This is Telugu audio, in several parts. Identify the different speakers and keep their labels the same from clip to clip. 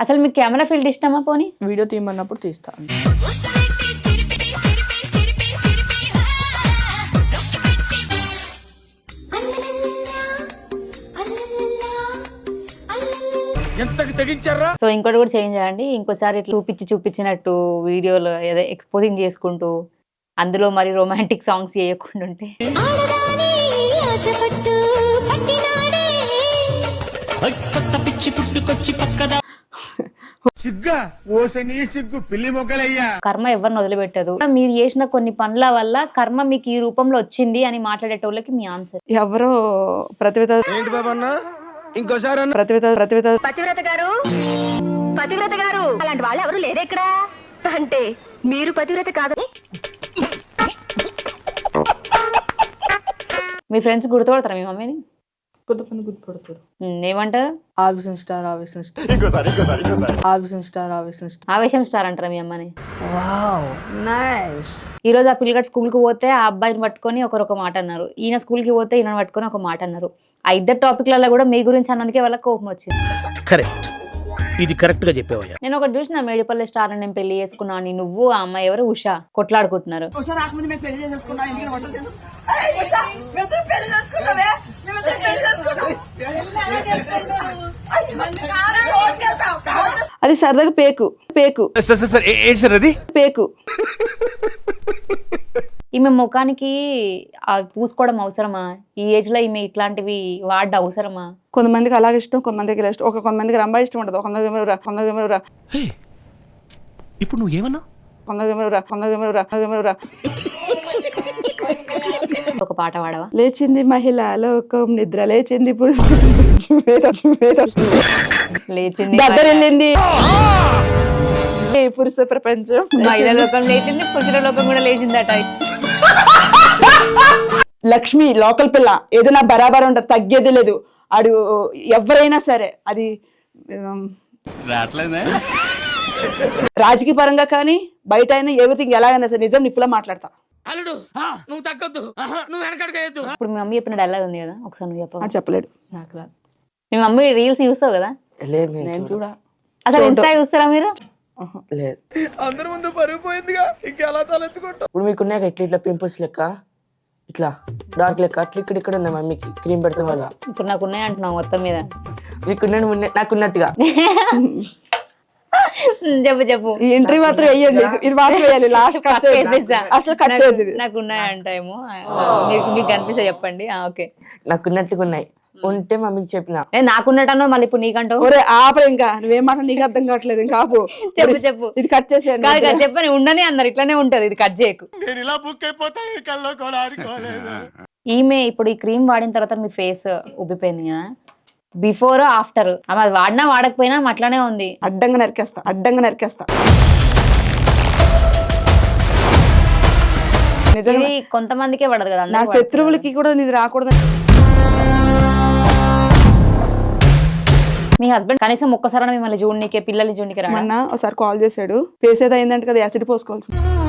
Speaker 1: అసలు మీకు కెమెరా ఫీల్డ్ ఇష్టమా పోనీ?
Speaker 2: వీడియో తీయమన్నప్పుడు తీస్తాను.
Speaker 1: సో ఇంకోటి కూడా చేంజ్ చేయండి. ఇంకోసారి ఇట్లా చూపించినట్టు వీడియోలో ఏదో ఎక్స్పోజింగ్ చేసుకుంటూ అందులో మరి రొమాంటిక్ సాంగ్స్ చేయకుండా ఉంటే. కర్మ ఎవరిని వదిలిపెట్టదు. మీరు చేసిన కొన్ని పనుల వల్ల కర్మ మీకు ఈ రూపంలో వచ్చింది అని మాట్లాడేటోళ్ళకి మీ ఆన్సర్.
Speaker 3: ఎవరో పతివ్రత
Speaker 4: గారు అలాంటి వాళ్ళు ఎవరు లేరు ఇక్కడ. అంటే మీరు పతివ్రత కాదు.
Speaker 1: మీ ఫ్రెండ్స్ గుర్తుపడతారా మీ మమ్మీని?
Speaker 2: కొంతమంది గుర్తుపడతారు.
Speaker 1: ఏమంటారు?
Speaker 2: ఆవేశం స్టార్ ఆవేశం స్టార్ ఆవేశం స్టార్ ఆవేశం స్టార్
Speaker 1: ఆవేశం స్టార్ అంటారా మీ అమ్మని?
Speaker 2: Wow nice.
Speaker 1: ఈ రోజు ఆ పిల్లగాడు స్కూల్కి పోతే ఆ అబ్బాయిని పట్టుకొని ఒకరు మాట అన్నారు, ఈయన స్కూల్కి పోతే ఈయన పట్టుకొని ఒక మాట అన్నారు. ఆ ఇద్దరు టాపిక్లలో కూడా మీ గురించి అన్నందుకే వాళ్ళకి కోపం వచ్చింది.
Speaker 5: కరెక్ట్, ఇది కరెక్ట్ గా చెప్పేవయ్యా.
Speaker 1: నేను ఒకటి చూసిన, మేడిపల్లి స్టార్ నేను పెళ్లి చేసుకున్నా అని నువ్వు ఆ అమ్మాయి ఎవరు ఉషా కొట్లాడుకుంటున్నారు.
Speaker 3: అది సరదాగా పేకు పేకు
Speaker 5: అది
Speaker 3: పేకు.
Speaker 1: ఈమె ముఖానికి పూసుకోవడం అవసరమా? ఈ ఏజ్ లో ఈమె ఇట్లాంటివి వాడ అవసరమా?
Speaker 3: కొంతమందికి అలాగే ఇష్టం, కొంతమందికి ఇలా ఇష్టం. కొంతమందికి రంబా ఇష్టం ఉండదు.
Speaker 5: ఇప్పుడు నువ్వు ఏమన్నా
Speaker 1: ఒక పాట పాడవా?
Speaker 3: లేచింది మహిళ లోకం, నిద్ర లేచింది
Speaker 1: లేచింది
Speaker 3: దగ్గరెళ్ళింది పురుష ప్రపంచం,
Speaker 1: మహిళ లోకం లేచింది, పురుషుల లోకం కూడా లేచిందట.
Speaker 3: లక్ష్మి లోకల్ పిల్ల, ఏదైనా బరాబర్ ఉంటుంది, తగ్గేది లేదు. అడు ఎవరైనా సరే అది రాజకీయ పరంగా కానీ బయట అయినా ఎవ్రీథింగ్ ఎలాగైనా సరే నిజం నిప్పులా మాట్లాడతా.
Speaker 5: నువ్వు తగ్గొద్దు, నువ్వు వెనకడుగు.
Speaker 1: ఇప్పుడు మీ మమ్మీ చెప్పిన డైలాగ్ ఉంది కదా, ఒకసారి నువ్వు చెప్ప.
Speaker 3: చెప్పలేడు,
Speaker 1: నాకు రాదు. మీ మమ్మీ రీల్స్ చూస్తావు కదా?
Speaker 2: నేను చూడ.
Speaker 1: అసలు ఇన్స్టా చూస్తారా మీరు?
Speaker 2: లేదు.
Speaker 5: అందరి ముందు పరుగుపోయిందిగా, ఇంకెలా తలెత్తుకుంటావు?
Speaker 2: ఇప్పుడు మీకున్నాక ఇట్లా ఇట్లా పింపుల్స్ లెక్క, ఇట్లా డార్క్ లెక్క అట్లా ఇక్కడ ఉంది మమ్మీకి క్రీమ్ పెడతాం వల్ల.
Speaker 1: ఇప్పుడు నాకు ఉన్నాయి అంటున్నావు మొత్తం మీద.
Speaker 2: నాకున్నట్టుగా
Speaker 1: చెప్పు.
Speaker 3: ఈ ఎంట్రీ మాత్రం వేయండి, ఇది మాత్రం వేయాలి. లాస్ట్ అసలు కట్ చేయదు.
Speaker 1: నాకు ఉన్నాయంటేమో మీకు కనిపిస్తే చెప్పండి. ఓకే,
Speaker 2: నాకున్నట్టుగా ఉన్నాయి. ఉంటే మమ్మీకి చెప్పిన
Speaker 1: నాకున్నట్టు మళ్ళీ ఇప్పుడు నీకంటూ
Speaker 3: ఆపరు. ఇంకా నువ్వేమాట నీకు అర్థం కావట్లేదు. ఇంకా ఆపు.
Speaker 1: చెప్పు.
Speaker 3: ఇది కట్ చేసేయండి.
Speaker 1: కాదు చెప్పని ఉండని అన్నారు, ఇట్లానే ఉంటది, ఇది కట్ చేయకు. ఈమె ఇప్పుడు ఈ క్రీమ్ వాడిన తర్వాత మీ ఫేస్ ఉబ్బిపోయింది కదా, బిఫోర్ ఆఫ్టర్ అది వాడినా వాడకపోయినా అట్లానే ఉంది.
Speaker 3: అడ్డంగా నరికేస్తా.
Speaker 1: ఇది కొంతమందికే పడదు కదా,
Speaker 3: నా శత్రువులకి కూడా ఇది రాకూడదు.
Speaker 1: మీ హస్బెండ్ కనీసం ఒక్కసారి మిమ్మల్ని చూడనీకే, పిల్లల్ని చూడనీకే రాడా?
Speaker 3: మొన్న ఒకసారి కాల్ చేశాడు, ఫేస్ ఏదో అయిందంటే కదా యాసిడ్ పోసుకోవాల్సి.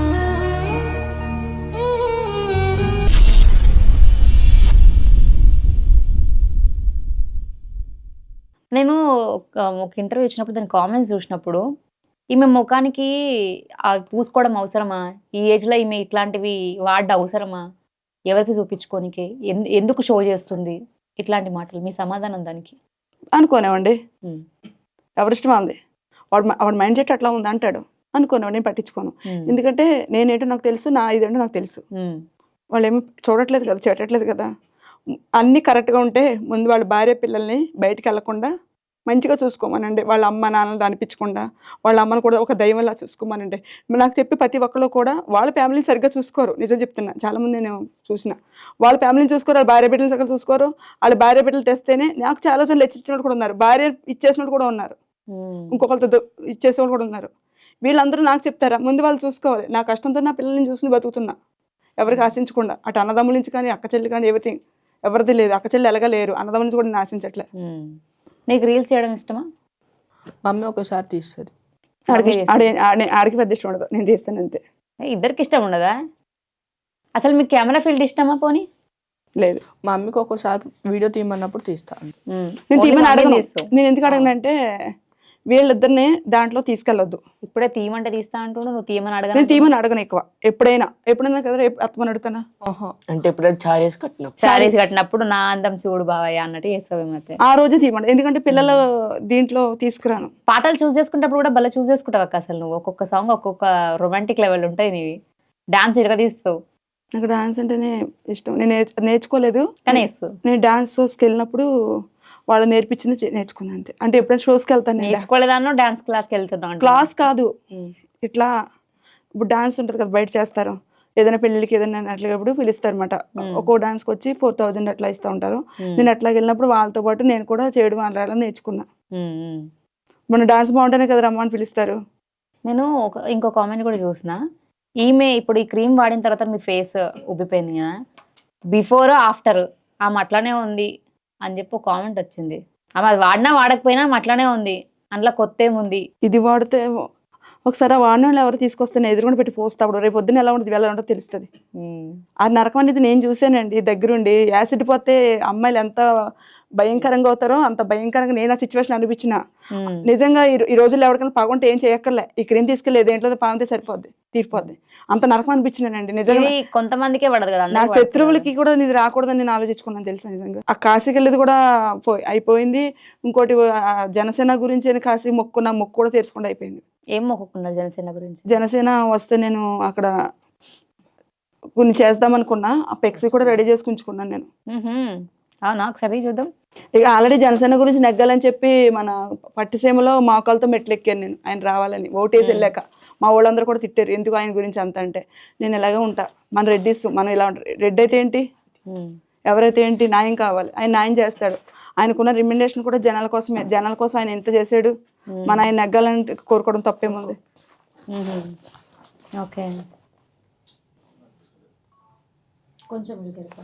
Speaker 1: నేను ఒక ఇంటర్వ్యూ ఇచ్చినప్పుడు దాని కామెంట్స్ చూసినప్పుడు, ఈమె ముఖానికి పూసుకోవడం అవసరమా? ఈ ఏజ్ లో ఈమె ఇట్లాంటివి వాడ అవసరమా? ఎవరికి చూపించుకోనికి, ఎందుకు షో చేస్తుంది? ఇట్లాంటి మాటలు. మీ సమాధానం దానికి?
Speaker 3: అనుకోనేవండి, ఎవరిష్టం ఉంది. వాడు మైండ్ సెట్ అట్లా ఉంది అంటాడు, అనుకోనేవాడు. నేను పట్టించుకోను. ఎందుకంటే నేనేంటో నాకు తెలుసు, నా ఇదేంటో నాకు తెలుసు. వాళ్ళు ఏమి చూడట్లేదు కదా, చేయట్లేదు కదా. అన్నీ కరెక్ట్గా ఉంటే ముందు వాళ్ళ భార్య పిల్లల్ని బయటికి వెళ్లకుండా మంచిగా చూసుకోమనండి. వాళ్ళ అమ్మ నాన్నలు అనిపించకుండా వాళ్ళ అమ్మను కూడా ఒక దైవంలా చూసుకోమనండి. నాకు చెప్పి ప్రతి ఒక్కరు కూడా వాళ్ళ ఫ్యామిలీని సరిగ్గా చూసుకోరు. నిజం చెప్తున్నా, చాలామంది నేను చూసిన వాళ్ళ ఫ్యామిలీని చూసుకోరు, వాళ్ళ భార్య బిడ్డలు సరిగ్గా చూసుకోరు. వాళ్ళ భార్య బిడ్డలు తెస్తేనే నాకు చాలా రోజులు లెచ్చిచ్చినట్టు కూడా ఉన్నారు, భార్య ఇచ్చేసినట్టు కూడా ఉన్నారు, ఇంకొకరితో ఇచ్చేసేవాళ్ళు కూడా ఉన్నారు. వీళ్ళందరూ నాకు చెప్తారా? ముందు వాళ్ళు చూసుకోవాలి. నా కష్టంతో నా పిల్లల్ని చూసుకుని బతుకుతున్నా, ఎవరికి ఆశించకుండా. అటు అన్నదమ్ముల నుంచి కానీ అక్క చెల్లి కానీ ఎవ్రీథింగ్ ఎవరిది లేదు. అక్క చెల్లి ఎలాగా లేరు, అన్నదమ్ముల నుంచి కూడా నేను ఆశించట్లే.
Speaker 1: నీకు రీల్స్ చేయడం ఇష్టమా?
Speaker 2: మమ్మీ ఒకసారి తీస్తుంది.
Speaker 3: ఆడికి పెద్ద ఇష్టం ఉండదు, నేను తీస్తాను అంతే.
Speaker 1: ఇద్దరికి ఇష్టం ఉండదా? అసలు మీకు కెమెరా ఫీల్డ్ ఇష్టమా పోనీ?
Speaker 3: లేదు.
Speaker 2: మా మమ్మీకి ఒక్కోసారి వీడియో తీయమన్నప్పుడు తీస్తాను.
Speaker 3: నేను తీయమని అడగను. నేను ఎందుకు అడగనంటే వీళ్ళిద్దరిని దాంట్లో తీసుకెళ్ళొద్దు.
Speaker 1: ఇప్పుడే తీయమంటే తీస్తా అంటుండు, నువ్వు తీయమని
Speaker 3: నేను
Speaker 1: అడగను.
Speaker 3: తీయమని అడగను ఎక్కువ. ఎప్పుడైనా కదా రేపు అత్తమని అడుగుతానా.
Speaker 2: అంటే ఎప్పుడైనా చారేసి కట్టినాం.
Speaker 1: శారీస్ కట్టినప్పుడు నా అందం చూడు బావయ్య అన్నట్టు చేస్తావేమైతే.
Speaker 3: ఆ రోజే తీయమంట, ఎందుకంటే పిల్లలు దీంట్లో తీసుకురాను.
Speaker 1: పాటలు చూస్ చేసుకున్నప్పుడు కూడా భలే చూస్ చేసుకుంటావు అక్క. అసలు నువ్వు ఒక్కొక్క సాంగ్ ఒక్కొక్క రొమాంటిక్ లెవెల్ ఉంటాయి నీవి. డాన్స్ ఇరగదీస్తావు.
Speaker 3: నాకు డాన్స్ అంటేనే ఇష్టం. నేను నేర్చుకోలేదు,
Speaker 1: కానీ వేస్తావు.
Speaker 3: నేను డాన్స్ షోస్కి వెళ్ళినప్పుడు వాళ్ళు నేర్పించింది నేర్చుకున్నాను అంతే. అంటే ఎప్పుడైనా షోస్కి వెళ్తాను నేను.
Speaker 1: నేర్చుకోలేదాన్నో డాన్స్ క్లాస్కి వెళ్తున్నావు.
Speaker 3: క్లాస్ కాదు, ఇట్లా ఇప్పుడు డాన్స్ ఉంటుంది కదా బయట చేస్తారు, ఏదైనా పెళ్ళిళ్ళకి ఏదైనా అట్లాగప్పుడు పిలుస్తారు అనమాట. ఒక్కో డాన్స్కి వచ్చి 4000 అట్లా ఇస్తూ ఉంటారు. నేను అట్లా వెళ్ళినప్పుడు వాళ్ళతో పాటు నేను కూడా చేయడం అలా నేర్చుకున్నా. మన డాన్స్ బాగుంటేనే కదా రమ్మని పిలుస్తారు.
Speaker 1: నేను ఇంకో కామెంట్ కూడా చూసిన. ఈమె ఇప్పుడు ఈ క్రీమ్ వాడిన తర్వాత మీ ఫేస్ ఉబ్బిపోయింది కదా, బిఫోర్ ఆఫ్టర్ ఆమె అట్లానే ఉంది అని చెప్పి ఒక కామెంట్ వచ్చింది. ఆమె అది వాడినా వాడకపోయినా ఆమె అట్లానే ఉంది, అందులో కొత్త ఏముంది.
Speaker 3: ఇది వాడితే ఒకసారి ఆ వాడిన వాళ్ళు ఎవరు తీసుకొస్తే ఎదురుకుండా పెట్టి పోస్తాడు, రేపు పొద్దున్న ఎలా ఉంటుంది ఎలా ఉంటుందో తెలుస్తుంది. ఆ నరకం అనేది నేను చూసానండి దగ్గరుండి. యాసిడ్ పోతే అమ్మాయిలు ఎంత భయంకరంగా అవుతారో అంత భయంకరంగా నేను ఆ సిచ్యువేషన్ అనిపించిన. నిజంగా ఈ రోజుల్లో ఎవరికైనా పగుంటే ఏం చేయక్కర్లే, ఈ క్రీమ్ తీసుకెళ్ళి దేంట్లో పాగితే సరిపోద్ది, తీరిపోద్ది. అంత నరకం అనిపించినానండి నిజంగా.
Speaker 1: కొంతమందికే పడదు కదా,
Speaker 3: నా శత్రువులకి కూడా ఇది రాకూడదని నేను ఆలోచించుకున్నాను తెలుసా. నిజంగా ఆ కాశీకి వెళ్ళేది కూడా అయిపోయింది. ఇంకోటి జనసేన గురించి అని కాశీ మొక్కున్న మొక్కు కూడా తీర్చకుండా అయిపోయింది.
Speaker 1: ఏం మొక్కుకున్నారు జనసేన గురించి?
Speaker 3: జనసేన వస్తే నేను అక్కడ కొన్ని చేద్దాం అనుకున్నా, ఆ పెక్సీ కూడా రెడీ చేసి ఉంచుకున్నాను నేను.
Speaker 1: అవునా, ఒకసారి చూద్దాం.
Speaker 3: ఇక ఆల్రెడీ జనసేన గురించి నెగ్గాలని చెప్పి మన పట్టిసీమలో మోకాలతో మెట్లు ఎక్కాను నేను, ఆయన రావాలని. ఓటేసి వెళ్ళాక మా వాళ్ళందరూ కూడా తిట్టారు, ఎందుకు ఆయన గురించి అంత అంటే. నేను ఇలాగే ఉంటా, మన రెడ్డిస్ మనం ఇలా ఉంటారు. రెడ్డి అయితే ఏంటి, ఎవరైతే ఏంటి, న్యాయం కావాలి, ఆయన న్యాయం చేస్తాడు. ఆయనకున్న రికమెండేషన్ కూడా జనాల కోసమే. జనాల కోసం ఆయన ఎంత చేశాడు, మన ఆయన నెగ్గాలని కోరుకోవడం తప్పేముంది.
Speaker 1: ఓకే, కొంచెం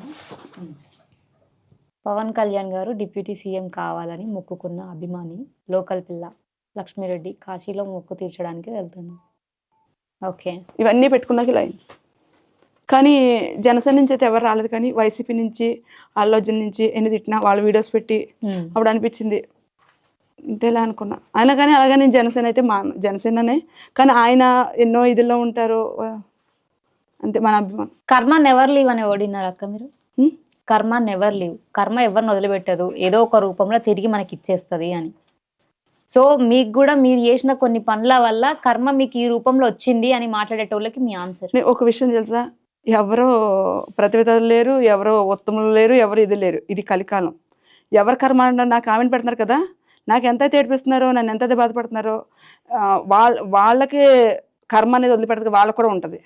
Speaker 1: పవన్ కళ్యాణ్ గారు డిప్యూటీ సీఎం కావాలని మొక్కుకున్న అభిమాని లోకల్ పిల్ల లక్ష్మీరెడ్డి కాశీలో మొక్కు తీర్చడానికి వెళ్తున్నాం. ఓకే,
Speaker 3: ఇవన్నీ పెట్టుకున్నాక ఇలా అయింది. కానీ జనసేన నుంచి అయితే ఎవరు రాలేదు, కానీ వైసీపీ నుంచి అల్లు అర్జున్ నుంచి ఎన్ని తిట్టినా వాళ్ళ వీడియోస్ పెట్టి అప్పుడు అనిపించింది ఇంతేలా అనుకున్నా. ఆయన కానీ అలాగే నేను జనసేన అయితే జనసేననే, కానీ ఆయన ఎన్నో ఇదిలో ఉంటారు అంతే. మన అభిమానం.
Speaker 1: కర్మ నెవర్ లీవ్ అని ఓడినారు అక్క మీరు. కర్మ నెవర్ లీవ్, కర్మ ఎవరిని వదిలిపెట్టదు, ఏదో ఒక రూపంలో తిరిగి మనకి ఇచ్చేస్తుంది అని. సో మీకు కూడా మీరు చేసిన కొన్ని పనుల వల్ల కర్మ మీకు ఈ రూపంలో వచ్చింది అని మాట్లాడేటోళ్ళకి మీ ఆన్సర్.
Speaker 3: ఒక విషయం తెలుసా, ఎవరో ప్రతివేతలు లేరు, ఎవరో ఉత్తములు లేరు, ఎవరు ఇది లేరు. ఇది కలికాలం. ఎవరు కర్మ అంటారు, నాకు కామెంట్ పెడుతున్నారు కదా, నాకు ఎంతైతే ఏడిపిస్తున్నారో, నన్ను ఎంతైతే బాధపడుతున్నారో, వాళ్ళకి కర్మ అనేది వదిలిపెడతారు, వాళ్ళకు కూడా ఉంటుంది.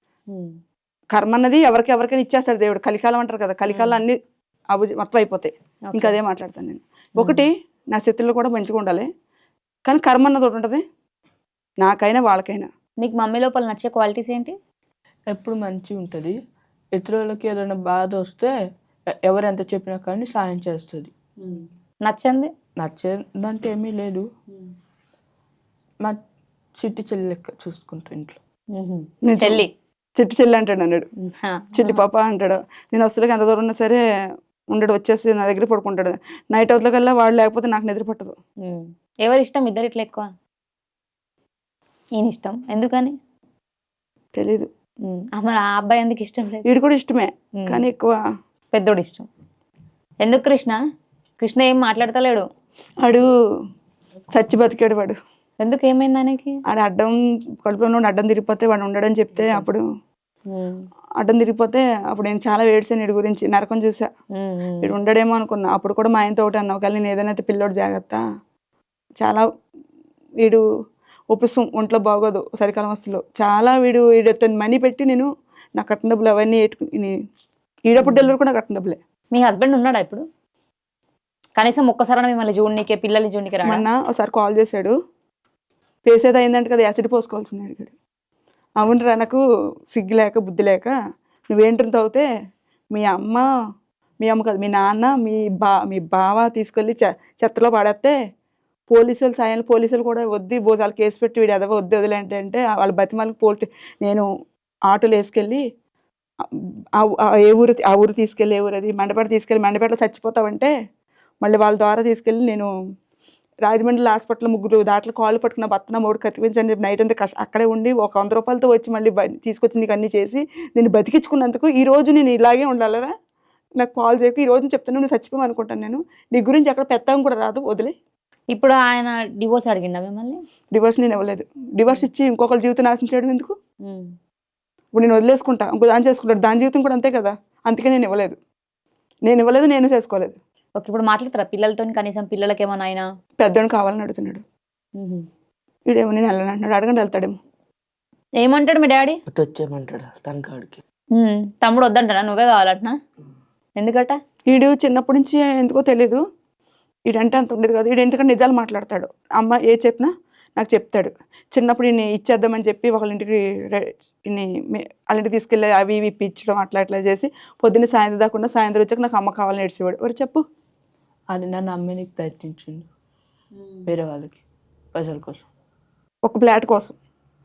Speaker 3: కర్మ అన్నది ఎవరికైనా ఇచ్చేస్తాడు దేవుడు. కలికాలం అంటారు కదా, కలికాలం అన్ని మొత్తం అయిపోతాయి. ఇంకా అదే మాట్లాడతాను నేను. ఒకటి, నా శత్రువులు కూడా మంచిగా ఉండాలి, కానీ కర్మ అన్నది ఒకటి ఉంటుంది, నాకైనా వాళ్ళకైనా.
Speaker 1: నీకు మమ్మీ లోపల నచ్చే క్వాలిటీస్ ఏంటి?
Speaker 2: ఎప్పుడు మంచిగా ఉంటుంది, ఇతరులకి ఏదైనా బాధ వస్తే ఎవరు ఎంత చెప్పినా కానీ సాయం చేస్తుంది.
Speaker 1: నచ్చంది
Speaker 2: నచ్చేదంటే ఏమీ లేదు, మా చిట్టి చెల్లి లెక్క చూసుకుంటా ఇంట్లో.
Speaker 1: చెల్లి
Speaker 3: చిట్టి చెల్లి అంటాడు, అన్నాడు చిల్లి పాప అంటాడు. నేను వస్తువులకి ఎంత దూరం ఉన్నా సరే ఉండడు, వచ్చేసి నా దగ్గర పడుకుంటాడు. నైట్ అవుట్ల కల్లా వాడు లేకపోతే నాకు నిద్ర పట్టదు.
Speaker 1: ఎవరి ఇష్టం ఇద్దరు ఇట్లా ఎక్కువ? ఈయన ఇష్టం ఎందుకని
Speaker 3: తెలీదు.
Speaker 1: మరి ఆ అబ్బాయి ఎందుకు ఇష్టం లేదు?
Speaker 3: వీడు కూడా ఇష్టమే, కానీ ఎక్కువ
Speaker 1: పెద్దోడు ఇష్టం. ఎందుకు కృష్ణ ఏం మాట్లాడతలేడు?
Speaker 3: వాడు చచ్చి బతికాడు వాడు.
Speaker 1: ఎందుకు, ఏమైంది ఆయనకి?
Speaker 3: ఆడ అడ్డం కడుపులో అడ్డం తిరిగిపోతే వాడు ఉండడని చెప్తే అప్పుడు అడ్డం తిరిగిపోతే అప్పుడు నేను చాలా ఏడ్చాను వీడి గురించి. నరకం చూసా, వీడు ఉండడేమో అనుకున్నా. అప్పుడు కూడా మా ఆయనతో ఒకటి అన్నా, ఒకవేళ నేను ఏదైనా పిల్లోడు జాగ్రత్త, చాలా వీడు ఒప్పిస్తాం, ఒంట్లో బాగోదు, సరికాలం వస్తువులు చాలా వీడు మనీ పెట్టి నేను నా కట్టిన డబ్బులు అవన్నీ ఈడప్పుడు డెలివరీ కూడా కట్టిన డబ్బులే.
Speaker 1: మీ హస్బెండ్ ఉన్నాడా ఇప్పుడు? కనీసం ఒక్కసారి మిమ్మల్ని చూడనీకే, పిల్లల్ని చూడనీకే రాడా?
Speaker 3: మొన్న ఒకసారి కాల్ చేశాడు, పేసేది అయిందంటే కదా యాసిడ్ పోసుకోవాల్సింది అడిగాడు. అవునరా, నాకు సిగ్గు లేక బుద్ధి లేక నువ్వేంటి అవుతే మీ అమ్మ కాదు, మీ నాన్న మీ బావ తీసుకెళ్ళి చెత్తలో పడేస్తే పోలీసులు సాయాలు పోలీసులు కూడా వద్దు వాళ్ళకి కేసు పెట్టి వీడు ఎదవ వద్దు అంటే వాళ్ళ బతిమాలకి నేను ఆటోలు వేసుకెళ్ళి ఆ ఊరు తీసుకెళ్ళి, ఏ ఊరు అది మండపేట తీసుకెళ్ళి, మండపేటలో చచ్చిపోతావంటే మళ్ళీ వాళ్ళ ద్వారా తీసుకెళ్ళి నేను రాజమండ్రి హాస్పిటల్ 3 దాంట్లో కాళ్ళు పట్టుకున్న భర్త నా మూడు కత్తిపించని చెప్పి నైట్ అంతా అక్కడే ఉండి ఒక 100 రూపాయలతో వచ్చి మళ్ళీ తీసుకొచ్చి నీకు అన్నీ చేసి నేను బతికించుకున్నందుకు ఈ రోజు నేను ఇలాగే ఉండాలరా, నాకు కాల్ చేయకు, ఈ రోజు చెప్తాను నువ్వు చచ్చిపోయావు అనుకుంటాను నేను, నీ గురించి అక్కడ పెత్తడం కూడా రాదు, వదిలే.
Speaker 1: ఇప్పుడు ఆయన డివోర్స్ అడిగిండా మిమ్మల్ని?
Speaker 3: డివోర్స్ నేను ఇవ్వలేదు. డివోర్స్ ఇచ్చి ఇంకొకరి జీవితం నాశనం చేయడం ఎందుకు?
Speaker 1: ఉమ్.
Speaker 3: ఇప్పుడు నేను వదిలేసుకుంటా, ఇంకో దాన్ని చేసుకుంటాను, దాని జీవితం కూడా అంతే కదా. అందుకే నేను ఇవ్వలేదు, నేను చేసుకోలేదు.
Speaker 1: ఓకే, ఇప్పుడు మాట్లాడతారా పిల్లలతో? కనీసం పిల్లలకి ఏమన్నా అయినా?
Speaker 3: పెద్దోడు కావాలని అడుగుతున్నాడు. వీడేమో నేను వెళ్ళను అంటున్నాడు, అడగండి వెళ్తాడేమో.
Speaker 1: ఏమంటాడు మీ డాడీ?
Speaker 2: వచ్చేయమంటాడు తన కాడికి.
Speaker 1: తమ్ముడు వద్దంటాడా? నువ్వే కావాలంటున్నా? ఎందుకట?
Speaker 3: వీడు చిన్నప్పటి నుంచి ఎందుకో తెలీదు, వీడంటే అంత ఉండేది కాదు. వీడు ఎందుకంటే నిజాలు మాట్లాడతాడు, అమ్మ ఏ చెప్పినా నాకు చెప్తాడు. చిన్నప్పుడు ఈయన ఇచ్చేద్దామని చెప్పి వాళ్ళ ఇంటికి వాళ్ళ ఇంటికి తీసుకెళ్ళి అవి ఇవి ఇప్పించడం అట్లా చేసి పొద్దున్న సాయంత్రం దాకుండా సాయంత్రం వచ్చాక నాకు అమ్మ కావాలని ఏడ్చేవాడు. ఎవరు చెప్పు?
Speaker 2: అది నన్ను అమ్మేనికి ప్రయత్నించిండు వేరే వాళ్ళకి, ప్రజల కోసం,
Speaker 3: ఒక ప్లాట్ కోసం.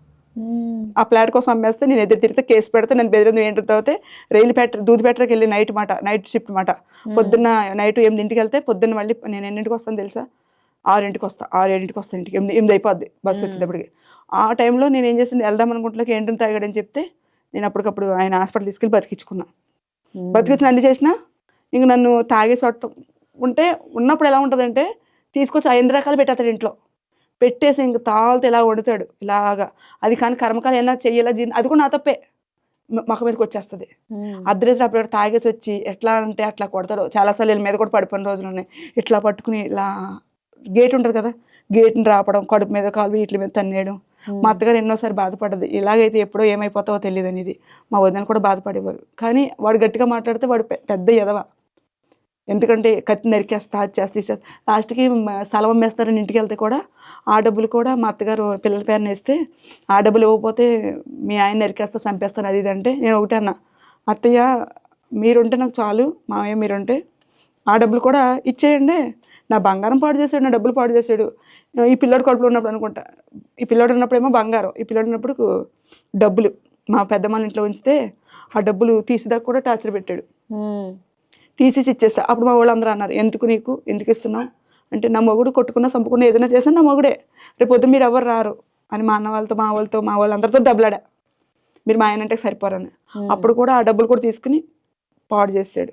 Speaker 3: ఆ ప్లాట్ కోసం అమ్మేస్తే నేను ఎదురు తిరిగితే కేసు పెడితే నేను బెదిరింది ఏంటి అవుతే దూది పెట్టరికి వెళ్ళి నైట్ షిఫ్ట్ మాట. పొద్దున్న నైట్ 8ంటికి వెళ్తే పొద్దున్న మళ్ళీ నేను ఎన్నింటికి వస్తాను తెలుసా? 6ంటికి వస్తా, 6-7ంటికి వస్తాను ఇంటికి. 8 అయిపోద్ది బస్సు వచ్చేటప్పటికి. ఆ టైంలో నేను ఏం చేసింది, వెళ్దాం అనుకుంటున్నాక ఏంటని తాగాడని చెప్తే నేను అప్పటికప్పుడు ఆయన హాస్పిటల్ తీసుకెళ్ళి బతికించుకున్నా. బతికించిన అన్ని చేసినా ఇంక నన్ను తాగేసి ఉంటే ఉన్నప్పుడు ఎలా ఉంటుందంటే తీసుకొచ్చి 5 రకాలు పెట్టేస్తాడు ఇంట్లో, పెట్టేసి ఇంక తాళ్ళతో ఇలా వండుతాడు ఇలాగా. అది కానీ కర్మకాలు ఏమైనా చెయ్యాలా అది కూడా నా తప్పే, మొక్క మీదకి వచ్చేస్తుంది. అర్ధరాత్రి అప్పుడు తాగేసి వచ్చి ఎట్లా అంటే అట్లా కొడతాడు. చాలాసార్లు వీళ్ళ మీద కూడా పడిపోయిన రోజులు ఉన్నాయి. ఇట్లా పట్టుకుని ఇలా గేట్ ఉంటుంది కదా, గేట్ని రాపడం, కడుపు మీద కాలు వీటి మీద తన్నేయడం. మా అత్తగారు ఎన్నోసారి బాధపడ్డది, ఇలాగైతే ఎప్పుడో ఏమైపోతావో తెలియదు అనేది. మా వదినలు కూడా బాధపడేవారు. కానీ వాడు గట్టిగా మాట్లాడితే వాడు పెద్ద ఎదవ. ఎందుకంటే కత్తి నరికేస్తా, అది చేస్తే లాస్ట్కి స్థలం అమ్మేస్తారని ఇంటికి వెళ్తే కూడా ఆ డబ్బులు కూడా మా అత్తగారు పిల్లల పేరున వేస్తే ఆ డబ్బులు ఇవ్వకపోతే మీ ఆయన నరికేస్తా, చంపేస్తాను అది ఇది అంటే నేను ఒకటే అన్నా, అత్తయ్య మీరుంటే నాకు చాలు, మామయ్య మీరుంటే ఆ డబ్బులు కూడా ఇచ్చేయండి. నా బంగారం పాడు చేశాడు, నా డబ్బులు పాడు చేశాడు. ఈ పిల్లోడు కడుపులో ఉన్నప్పుడు అనుకుంటా, ఈ పిల్లోడు ఉన్నప్పుడేమో బంగారం, ఈ పిల్లోడు ఉన్నప్పుడు డబ్బులు మా పెద్దమ్మ ఇంట్లో ఉంచితే ఆ డబ్బులు తీసేదాకా కూడా టార్చర్ పెట్టాడు. తీసేసి ఇచ్చేస్తా. అప్పుడు మా వాళ్ళు అందరూ అన్నారు, ఎందుకు ఇస్తున్నావు అంటే, నా మొగుడు కొట్టుకున్నా చంపుకున్నా ఏదైనా చేసినా నా మొగుడే, రేపు పొద్దు మీరు ఎవరు రారు అని మా అన్న వాళ్ళతో మా వాళ్ళందరితో డబ్బులాడా, మీరు మా ఆయన అంటే సరిపోరని. అప్పుడు కూడా ఆ డబ్బులు కూడా తీసుకుని పాడు చేసాడు.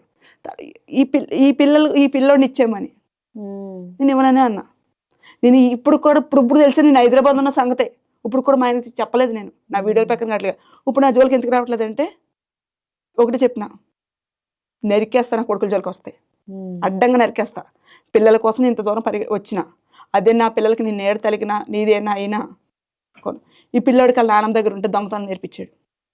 Speaker 3: ఈ పిల్లోడిని ఇచ్చేయమని నేను ఇవ్వననే అన్నా. నేను ఇప్పుడు తెలిసి నేను హైదరాబాద్ ఉన్న సంగతే ఇప్పుడు కూడా మా ఆయనకి చెప్పలేదు. నేను నా వీడియోల పక్కన రావట్లేదు. ఇప్పుడు నా జోలికి ఎందుకు రావట్లేదంటే ఒకటి చెప్పిన, నరికేస్తా, నా కొడుకుల జోలికి వస్తాయి, అడ్డంగా నరికేస్తా. పిల్లల కోసం ఇంత దూరం వచ్చిన, అదే నా పిల్లలకి నేను ఏడు తలిగినా నీదేనా అయినా. ఈ పిల్లోడికి వాళ్ళ నాన్నమ్మ దగ్గర ఉంటే దొంగతనం నేర్పించాడు.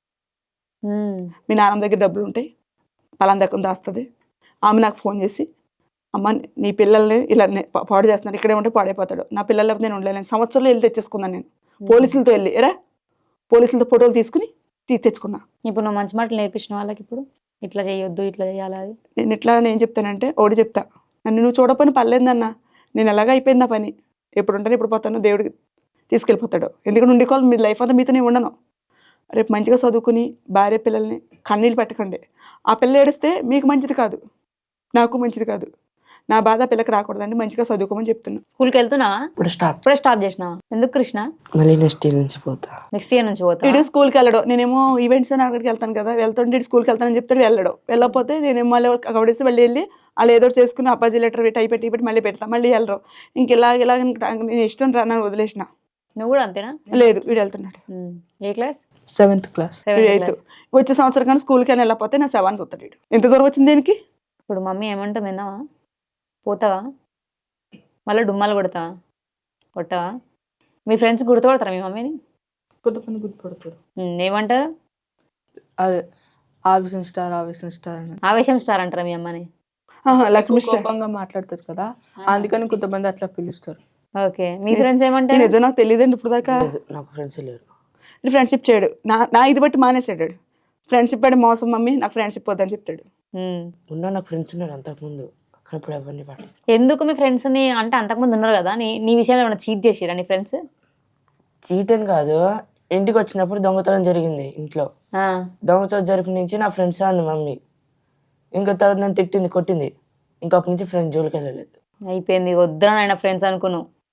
Speaker 3: మీ నాన్నమ్మ దగ్గర డబ్బులు ఉంటాయి, పలానా దగ్గర దాస్తుంది. ఆమె నాకు ఫోన్ చేసి, అమ్మ నీ పిల్లల్ని ఇలా పాడు చేస్తున్నాడు, ఇక్కడే ఉంటే పాడైపోతాడు, నా పిల్లలు లేకపోతే నేను ఉండలేను. సంవత్సరంలో వెళ్ళి తెచ్చేసుకున్నాను నేను, పోలీసులతో వెళ్ళి పోలీసులతో ఫోటోలు తీసుకుని తెచ్చుకున్నా.
Speaker 1: ఇప్పుడు నువ్వు మంచి మాటలు నేర్పించిన వాళ్ళకి ఇప్పుడు ఇట్లా చేయొద్దు, ఇట్లా చేయాలి, అది
Speaker 3: నేను ఇట్లా నేను చెప్తానంటే ఒకటి చెప్తా, నన్ను నువ్వు చూడపని పర్లేదన్న, నేను ఎలాగ అయిపోయింది ఆ పని, ఎప్పుడు ఉంటాను ఎప్పుడు పోతాను, దేవుడికి తీసుకెళ్ళిపోతాడు. ఎందుకంటే ఉండికోవాలి, మీ లైఫ్ అంతా మీతోనే ఉండను. రేపు మంచిగా చదువుకుని భార్య పిల్లల్ని కన్నీళ్ళు పెట్టకండి. ఆ పిల్ల ఏడిస్తే మీకు మంచిది కాదు, నాకు మంచిది కాదు. నా బాధ పిల్లకి రాకూడదండి, మంచిగా చదువుకోమని చెప్తున్నా.
Speaker 1: స్కూల్కి వెళ్తున్నావా?
Speaker 2: ఇప్పుడే
Speaker 1: స్టాప్ చేసినావా? ఎందుకు కృష్ణ?
Speaker 2: మళ్ళీ నెక్స్ట్ ఇయర్ నుంచి పోతా.
Speaker 1: నెక్స్ట్ ఇయర్ నుంచి పోతా?
Speaker 3: ఇటు స్కూల్కి వెళ్ళడం, నేనేమో ఈవెంట్స్ అని అక్కడికి వెళ్తాను కదా, వెళ్తుంటే ఇటు స్కూల్కి వెళ్తానని చెప్తాడు, వెళ్ళడం. వెళ్ళకపోతే నేనేమో మళ్ళీ కబడిస్తే మళ్ళీ వెళ్ళి వాళ్ళు ఏదో చేసుకుని అప్పాజీ లెటర్ పెట్టి మళ్ళీ పెడతా, మళ్ళీ వెళ్ళరు. ఇంక ఇలా నేను ఇష్టం రా, నన్ను వదిలేసిన.
Speaker 1: నువ్వు కూడా అంతేనా?
Speaker 3: లేదు, వీడు వెళ్తున్నాడు.
Speaker 1: A class?
Speaker 2: 7th class.
Speaker 3: 8th. వచ్చే సంవత్సరం కానీ స్కూల్కి అని వెళ్ళకపోతే నా 7th వస్తాడు. వీడు ఎంత దూరం వచ్చింది దేనికి?
Speaker 1: ఇప్పుడు మమ్మీ ఏమంటుంది, విన్నావా? పోతావా? మళ్ళీ డుమ్మాలు కొట్టావా? మీ ఫ్రెండ్స్ గుర్తుపడతారా మీ మమ్మీని?
Speaker 2: కొంతమంది గుర్తుపడతారు.
Speaker 1: ఏమంటారు?
Speaker 2: అదే ఆవేశం స్టార్ అని.
Speaker 1: ఆవేశం స్టార్ అంటారా మీ అమ్మని?
Speaker 3: లక్ష్మి స్టార్
Speaker 2: కోపంగా మాట్లాడుతుంది కదా, అందుకని కొంతమంది అట్లా పిలుస్తారు.
Speaker 1: ఓకే, మీ ఫ్రెండ్స్ ఏమంటారు?
Speaker 3: నిజం నాకు తెలియదండి ఇప్పుడు దాకా.
Speaker 2: నాకు ఫ్రెండ్స్ లేరు.
Speaker 3: ఫ్రెండ్షిప్ చేయడు, నా ఇది బట్టి మానేసాడు. ఫ్రెండ్షిప్ అంటే మోసం మమ్మీ, నాకు ఫ్రెండ్షిప్ వద్దని చెప్తాడు.
Speaker 2: నాకు ఫ్రెండ్స్ ఉన్నారు అంతకుముందు, ఇప్పుడు ఎవరిని పట్టించుకోరు.
Speaker 1: ఎందుకు మీ ఫ్రెండ్స్ ని అంటే అంతకుముందు ఉన్నారు కదా, నీ విషయంలో ఏమైనా చీట్ చేసిరా నీ ఫ్రెండ్స్?
Speaker 6: చీట్ అని కాదు, ఇంటికి వచ్చినప్పుడు దొంగతనం జరిగింది ఇంట్లో. దొంగతనం జరిపిన నుంచి నా ఫ్రెండ్స్ అంది మమ్మీ. ఇంకా తర్వాత నన్ను తిట్టింది, కొట్టింది. ఇంకా అప్పటి నుంచి ఫ్రెండ్స్ జోలికి వెళ్ళలేదు.
Speaker 1: అయిపోయింది, వద్దురా నాయన ఫ్రెండ్స్ అనుకున్నావు.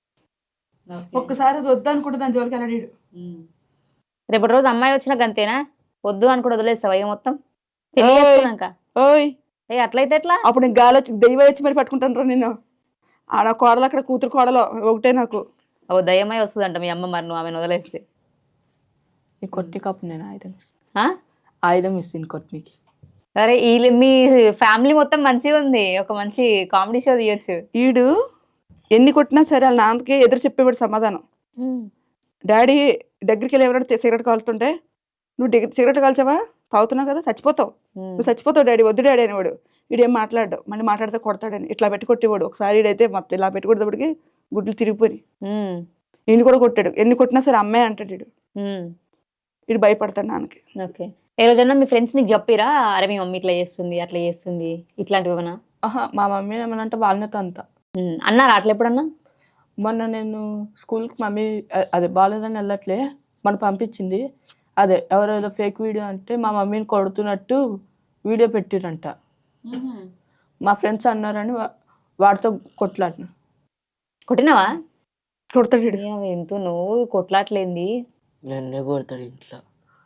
Speaker 3: ఒక్కసారి అది వద్దు అనుకుంటే దాని జోలికి వెళ్ళాడు.
Speaker 1: రేపటి రోజు అమ్మాయి వచ్చినాక అంతేనా? వద్దు అనుకుంటే వదిలేస్తావా ఇక మొత్తం పెళ్లి
Speaker 3: ఓయ్.
Speaker 1: చేసుకున్నాక?
Speaker 3: ఓయ్
Speaker 1: ఏ అట్లయితే ఎట్లా?
Speaker 3: అప్పుడు నీకు గాలి వచ్చి దెయ్యం వచ్చి మరి పట్టుకుంటాను నిన్ను. ఆడ కోడలు అక్కడ కూతురు కోడలు ఒకటే నాకు.
Speaker 1: ఓ దయ్యమై వస్తుందంట మీ అమ్మ, మరి నువ్వు ఆమెను వదిలేస్తే.
Speaker 2: ఈ కొట్టి కప్పు నేను ఆయుధం ఇస్తాను.
Speaker 1: ఆ?
Speaker 2: ఆయుధం ఇస్తాను కొట్టికి.
Speaker 1: సరే మీ ఫ్యామిలీ మొత్తం మంచిగా ఉంది, ఒక మంచి కామెడీ షో తీయొచ్చు.
Speaker 3: ఈడు ఎన్ని కొట్టినా సరే వాళ్ళ నాన్నకి ఎదురు చెప్పేవాడు సమాధానం. డాడీ దగ్గరికి వెళ్ళి ఎవరైనా సిగరెట్ కాలుతుంటే, నువ్వు సిగరెట్ కాల్చావా, తాగుతున్నావు కదా, చచ్చిపోతావు, నువ్వు చచ్చిపోతావు డాడీ, వద్దు డాడీ అనేవాడు. వీడేం మాట్లాడు, మళ్ళీ మాట్లాడితే కొడతాడని ఇట్లా పెట్టి కొట్టేవాడు. ఒకసారి వీడైతే మొత్తం ఇలా పెట్టి కొట్టేటప్పటికి గుడ్లు తిరిగిపోయి ఈయన కూడా కొట్టాడు. ఎన్ని కొట్టినా సరే అమ్మాయి అంటాడు వీడు. వీడు భయపడతాడు నాన్నకి.
Speaker 1: ఓకే. ఏ రోజన్నా మీ ఫ్రెండ్స్ నీకు చెప్పిరా, అరే మీ మమ్మీ ఇట్లా చేస్తుంది అట్లా చేస్తుంది ఇట్లాంటివి ఏమన్నా?
Speaker 2: మా మమ్మీ ఏమనంటే వాళ్ళతో అంతా
Speaker 1: అన్నారా అట్లా ఎప్పుడన్నా?
Speaker 2: మొన్న నేను స్కూల్కి మమ్మీ అదే బాగాలేదని వెళ్ళట్లే మన పంపించింది. అదే ఎవరైనా ఫేక్ వీడియో అంటే మా మమ్మీని కొడుతున్నట్టు వీడియో పెట్టిరంట. మా ఫ్రెండ్స్ అన్నారని వాడితో కొట్లాడిన.
Speaker 1: కొట్టినావా?
Speaker 3: కొడతాడు వీడు.
Speaker 1: ఎంతో నువ్వు కొట్లాట్లేంది,
Speaker 6: నన్నే కొడతాడు ఇంట్లో.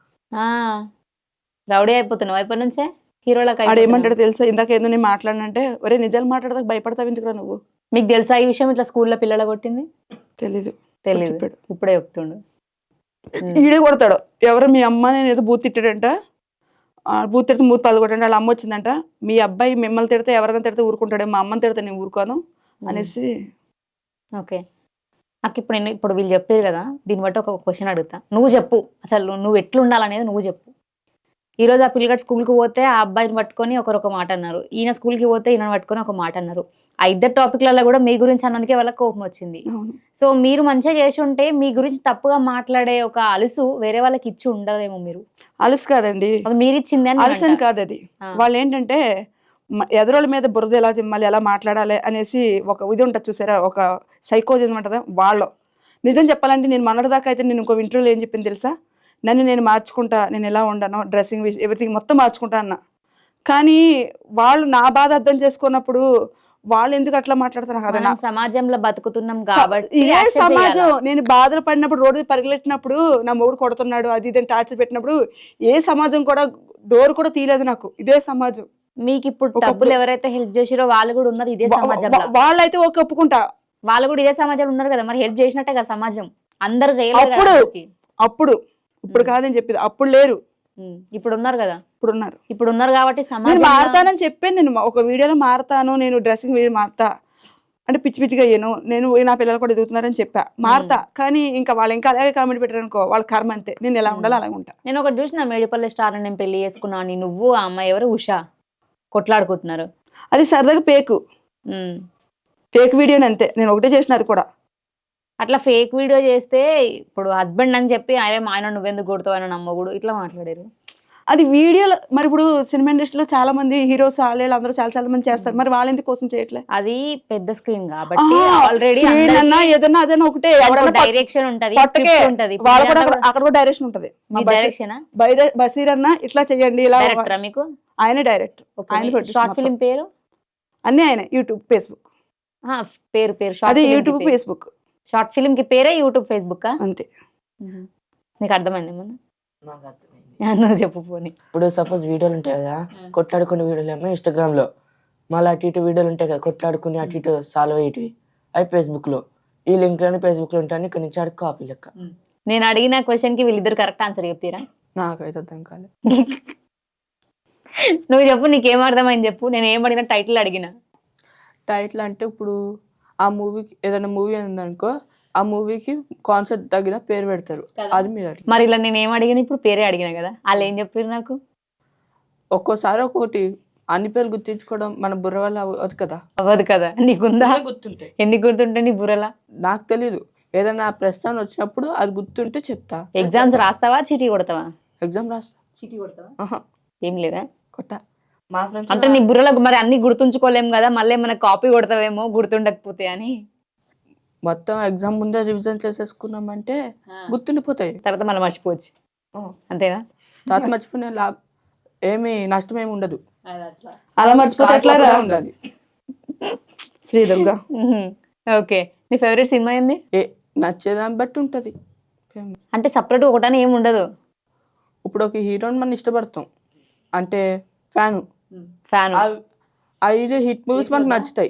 Speaker 1: రౌడీ అయిపోతున్నావు అయిపోయి నుంచే హీరోలకు.
Speaker 3: ఆడు ఏమంటాడు తెలుసా, ఇందాక ఏదో నేను మాట్లాడినంటే, ఒరే నిజాలు మాట్లాడదాకా భయపడతావు ఎందుకురా నువ్వు.
Speaker 1: మీకు తెలుసా ఈ విషయం, ఇట్లా స్కూల్లో పిల్లలు కొట్టింది?
Speaker 3: తెలీదు.
Speaker 1: తెలియదు,
Speaker 3: చెప్పాడు.
Speaker 1: ఇప్పుడే చెప్తుండు.
Speaker 3: ఈడే కొడతాడు. ఎవరు మీ అమ్మ నేను ఏదో బూత్ తిట్టాడంట, బూత్ తిడితే మూతి పదకొట్టండి, వాళ్ళ అమ్మ వచ్చిందంట, మీ అబ్బాయి మిమ్మల్ని తిడితే ఎవరైనా తిడితే ఊరుకుంటాడే, మా అమ్మని తిడితే నేను ఊరుకోను అనేసి.
Speaker 1: ఓకే. నాకు ఇప్పుడు వీళ్ళు చెప్పారు కదా, దీన్ని బట్టి ఒక క్వశ్చన్ అడుగుతా, నువ్వు చెప్పు అసలు నువ్వు ఎట్లుండాలనేది నువ్వు చెప్పు. ఈరోజు ఆ పిల్లగాడు స్కూల్కి పోతే ఆ అబ్బాయిని పట్టుకొని ఒకరొక మాట అన్నారు, ఈయన స్కూల్కి పోతే ఈయన పట్టుకొని ఒక మాట అన్నారు. ఆ ఇద్దరు టాపిక్లలో కూడా మీ గురించి అన్నందుకే వాళ్ళకి కోపం వచ్చింది. సో మీరు మంచిగా చేసి ఉంటే మీ గురించి తప్పుగా మాట్లాడే ఒక అలుసు వేరే వాళ్ళకి ఇచ్చి ఉండరేమో. మీరు
Speaker 3: అలుసు కాదండి,
Speaker 1: అది మీరు ఇచ్చింది అని
Speaker 3: అలుసు అని కాదు అది. వాళ్ళు ఏంటంటే ఎదురోళ్ళ మీద బురద ఎలా చిమ్మాలి, ఎలా మాట్లాడాలి అనేసి ఒక ఇది ఉంటుంది చూసారా, ఒక సైకోజం ఉంటుందా వాళ్ళు. నిజం చెప్పాలంటే నేను మొన్నటిదాకా అయితే నేను ఇంకో ఇంటర్వ్యూలో ఏం చెప్పింది తెలుసా, నన్ను నేను మార్చుకుంటా, నేను ఎలా ఉండను, డ్రెస్సింగ్ ఎవ్రీథింగ్ మొత్తం మార్చుకుంటా అన్న. కానీ వాళ్ళు నా బాధ అర్థం చేసుకున్నప్పుడు వాళ్ళు ఎందుకు అట్లా మాట్లాడుతున్నారు కదా.
Speaker 1: మనం సమాజంలో బతుకుతున్నాం కాబట్టి
Speaker 3: ఇదే సమాజం. నేను బాధలు పడినప్పుడు రోడ్డు పరిగెట్టినప్పుడు నా మొగుడు కొడుతున్నాడు అది ఇదని టార్చర్ పెట్టినప్పుడు ఏ సమాజం కూడా డోర్ కూడా తీయలేదు నాకు. ఇదే సమాజం.
Speaker 1: మీకు ఇప్పుడు డబ్బులు ఎవరైతే హెల్ప్ చేసిరో వాళ్ళు కూడా ఉన్నారు ఇదే సమాజంలో.
Speaker 3: వాళ్ళైతే ఓకే ఒప్పుకుంటా,
Speaker 1: వాళ్ళు కూడా ఇదే సమాజంలో ఉన్నారు కదా, మరి హెల్ప్ చేసినట్టే కదా సమాజం. అందరూ చేయలేరు
Speaker 3: అప్పుడు ఇప్పుడు కాదని చెప్పింది, అప్పుడు లేరు,
Speaker 1: ఇప్పుడు ఉన్నారు కదా,
Speaker 3: ఇప్పుడు ఉన్నారు
Speaker 1: కాబట్టి
Speaker 3: నేను
Speaker 1: సమాజం.
Speaker 3: మారతానని చెప్పాను, నేను ఒక వీడియోలో మారతాను, నేను డ్రెస్సింగ్ వీడియో మారుతా అంటే పిచ్చి పిచ్చిగా అయ్యాను, నేను నా పిల్లలు కూడా ఎదుగుతున్నారని చెప్పా, మారతా. కానీ ఇంకా వాళ్ళు ఇంకా అలాగే కామెంట్ పెట్టారు అనుకో, వాళ్ళ కర్మ అంతే. నేను ఎలా ఉండాలో అలాగే ఉంటా.
Speaker 1: నేను ఒకటి చూసిన, మేడిపల్లి స్టార్ నేను పెళ్లి చేసుకున్నాను అని నువ్వు ఆ అమ్మాయి ఎవరు ఉషా కొట్లాడుకుంటున్నారు.
Speaker 3: అది సరదాగా ఫేక్ వీడియోని అంతే, నేను ఒకటే చేసిన అది కూడా.
Speaker 1: అట్లా ఫేక్ వీడియో చేస్తే ఇప్పుడు హస్బెండ్ అని చెప్పి ఆయన నువ్వెందుకు కొడతావు ఆయన నమ్మగుడు ఇట్లా మాట్లాడారు.
Speaker 3: అది వీడియోలో మరి ఇప్పుడు సినిమా ఇండస్ట్రీలో చాలా మంది హీరోస్ వాళ్ళు అందరూ చాలా చాలా మంది చేస్తారు, మరి వాళ్ళు ఎందుకు కోసం చేయట్లేదు?
Speaker 1: అది పెద్ద స్క్రీన్ కాబట్టి ఆల్రెడీ
Speaker 3: ఏదన్నా అదన్నా ఒకటే
Speaker 1: డైరెక్షన్ ఉంటది,
Speaker 3: అక్కడ కూడా డైరెక్షన్ ఉంటది.
Speaker 1: డైరెక్షన్
Speaker 3: బసీర్ అన్న ఇట్లా చెయ్యండి, ఇలా
Speaker 1: మీకు
Speaker 3: ఆయన డైరెక్ట్,
Speaker 1: షార్ట్ ఫిల్మ్ పేరు
Speaker 3: అన్ని ఆయన యూట్యూబ్ ఫేస్బుక్
Speaker 1: పేరు
Speaker 3: అదే యూట్యూబ్ ఫేస్బుక్.
Speaker 1: షార్ట్ ఫిల్మ్ కి పేరే యూట్యూబ్ ఫేస్బుక్
Speaker 3: అంతే.
Speaker 1: నీకు అర్థమైంది ఏమన్నా?
Speaker 6: నాకు అర్థమైంది.
Speaker 1: నువ్వు చెప్పు పోనీ.
Speaker 6: ఇప్పుడు సపోజ్ వీడియోలు ఉంటాయి కదా, కొట్లాడుకునే వీడియోలు ఏమో ఇన్స్టాగ్రామ్లో, మళ్ళీ అటు ఇటు వీడియోలు ఉంటాయి కదా కొట్లాడుకుని అటు ఇటు సాల్వ్ అయ్యేటివి, అవి ఫేస్బుక్లో. ఈ లింక్లోనే ఫేస్బుక్లో ఉంటాయని ఇక్కడ నుంచి ఆడికి కాపీ లెక్క.
Speaker 1: నేను అడిగిన క్వశ్చన్ కి వీళ్ళిద్దరు కరెక్ట్ ఆన్సర్ చెప్పారా?
Speaker 2: నాకైతే అర్థం కాలేదు.
Speaker 1: నువ్వు చెప్పు, నీకేం అర్థమైంది చెప్పు. నేను ఏం అడిగినా టైటిల్ అడిగిన.
Speaker 2: టైటిల్ అంటే ఇప్పుడు ఆ మూవీకి ఏదైనా మూవీ ఉందనుకో, ఆ మూవీకి కాన్సెప్ట్ తగిన పేరు పెడతారు, అది మీరు అడిగి.
Speaker 1: మరి ఇలా నేను ఏం అడిగిన, ఇప్పుడు పేరే అడిగిన కదా, వాళ్ళు ఏం చెప్పారు నాకు?
Speaker 2: ఒక్కోసారి ఒక్కొక్కటి అన్ని పేర్లు గుర్తించుకోవడం మన బుర్ర వల్ల అవ్వదు కదా.
Speaker 1: అవ్వదు కదా, నీకుందా?
Speaker 2: గుర్తుంటాయి.
Speaker 1: ఎన్ని గుర్తుంటాయి నీ బుర్రలా?
Speaker 2: నాకు తెలీదు, ఏదైనా ప్రశ్న వచ్చినప్పుడు అది గుర్తుంటే చెప్తా.
Speaker 1: ఎగ్జామ్స్ రాస్తావా, చీటీ కొడతావా?
Speaker 2: ఎగ్జామ్ రాస్తా.
Speaker 1: చీటీ కొడతావా? ఏం లేదా
Speaker 2: కొట్టా.
Speaker 6: మా ఫ్రెండ్స్
Speaker 1: అంటే నీ బుర్రలకు మరి అన్ని గుర్తుంచుకోలేము కదా, మళ్ళీ మన కాపీ కొడతావేమో గుర్తుండకపోతే అని.
Speaker 2: మొత్తం ఎగ్జామ్ ముందే రివిజన్ చేసేసుకున్నామంటే గుర్తుండిపోతాయి,
Speaker 1: తర్వాత మనం మర్చిపోవచ్చు. అంతేనా?
Speaker 2: తర్వాత మర్చిపోయిన ఏమి నష్టం ఏమి ఉండదు.
Speaker 3: అలా మర్చిపోతే ఎట్లా
Speaker 2: ఉండాలి.
Speaker 3: శ్రీదుర్గా.
Speaker 1: ఓకే. నీ ఫేవరెట్ సినిమా ఏంది?
Speaker 2: నచ్చేదాన్ని బట్టి ఉంటుంది ఫేమ్.
Speaker 1: అంటే సపరేట్ ఒకటని ఏమి ఉండదు.
Speaker 2: ఇప్పుడు ఒక హీరోని మనం ఇష్టపడతాం అంటే ఫ్యాను,
Speaker 1: ఫ్యాన్
Speaker 2: ఆ హీరో హిట్ మూవీస్ మనకు నచ్చుతాయి,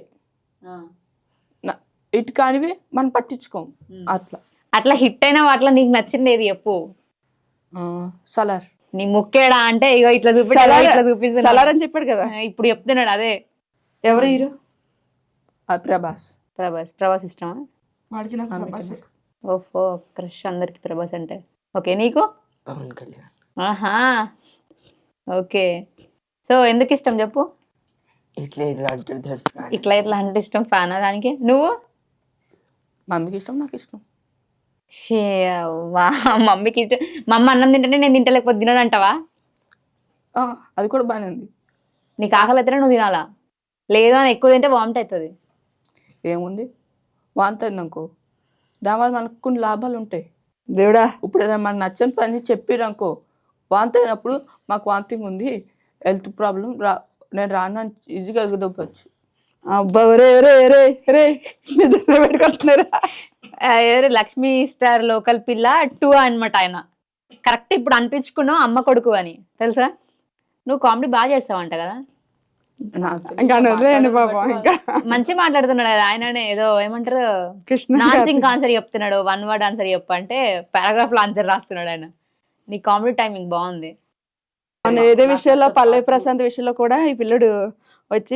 Speaker 2: హిట్ కానివి మనం పట్టించుకోం. అట్లా
Speaker 1: అట్లా హిట్ అయిన వాటిలో నీకు నచ్చింది ఏది చెప్పు.
Speaker 2: సలార్.
Speaker 1: నీ ముక్కేడా అంటే ఇగో ఇట్లా చూపిస్తా ఇట్లా చూపిస్తున్నా
Speaker 3: సలార్ అని చెప్పాడు కదా.
Speaker 1: ఇప్పుడు చెప్తున్నాడు అదే.
Speaker 3: ఎవరు హీరో?
Speaker 2: ప్రభాస్.
Speaker 1: ప్రభాస్ ఇష్టమా?
Speaker 3: వాడికి నాకు ప్రభాసే.
Speaker 1: ఓహో క్రష్ అందరికి ప్రభాస్ అంటే. ఓకే నీకు?
Speaker 6: పవన్ కళ్యాణ్.
Speaker 1: ఆహా ఓకే. సో ఎందుకు ఇష్టం చెప్పు?
Speaker 6: ఇట్లా ఇట్లా అంటాడు.
Speaker 1: ఇట్లా ఇట్లా అంటే ఇష్టం, ఫ్యానా దానికి? నువ్వు?
Speaker 2: మమ్మీకి ఇష్టం, నాకు ఇష్టం.
Speaker 1: మమ్మీకి ఇష్టం. మా అమ్మ అన్నం తింటేనే నేను తింటలేకపోతే తినడు అంటావా?
Speaker 2: అది కూడా బాగానే ఉంది.
Speaker 1: నీకు ఆకలి అయితేనే నువ్వు తినాలా, లేదు అని ఎక్కువ తింటే వామిట్ అవుతుంది.
Speaker 2: ఏముంది, వాంతి అయిందనుకో దానివల్ల మనకు కొన్ని లాభాలు ఉంటాయి.
Speaker 3: దేవుడా,
Speaker 2: ఇప్పుడు ఏదైనా మనకు నచ్చని పని చెప్పిరనుకో, వాంతి అయినప్పుడు మాకు వాంతింగ్ ఉంది, హెల్త్ ప్రాబ్లం, నేను రాను ఈజీగా ఎగదొప్పచ్చు.
Speaker 3: అబ్బా రే రే రే రే నిజంగా పెట్టుకుంటున్నారా?
Speaker 1: లక్ష్మీ స్టార్ లోకల్ పిల్ల 2 అనమాట ఆయన. కరెక్ట్ ఇప్పుడు అనిపించుకున్నావు అమ్మ కొడుకు అని తెలుసా. నువ్వు కామెడీ బాగా చేస్తావంట కదా.
Speaker 3: ఇంకా వదిలేయండి పాపం. ఇంకా
Speaker 1: మంచి మాట్లాడుతున్నాడు కదా ఆయననే. ఏదో ఏమంటారు
Speaker 3: కృష్ణ
Speaker 1: నాన్సింగ్ ఆన్సర్ చెప్తున్నాడు, 1 వర్డ్ ఆన్సర్ చెప్పు అంటే పారాగ్రాఫ్ లో ఆన్సర్ రాస్తున్నాడు ఆయన. నీ కామెడీ టైమింగ్ బాగుంది.
Speaker 3: ఏదో విషయంలో పల్లవి ప్రశాంత్ విషయంలో కూడా ఈ పిల్లడు వచ్చి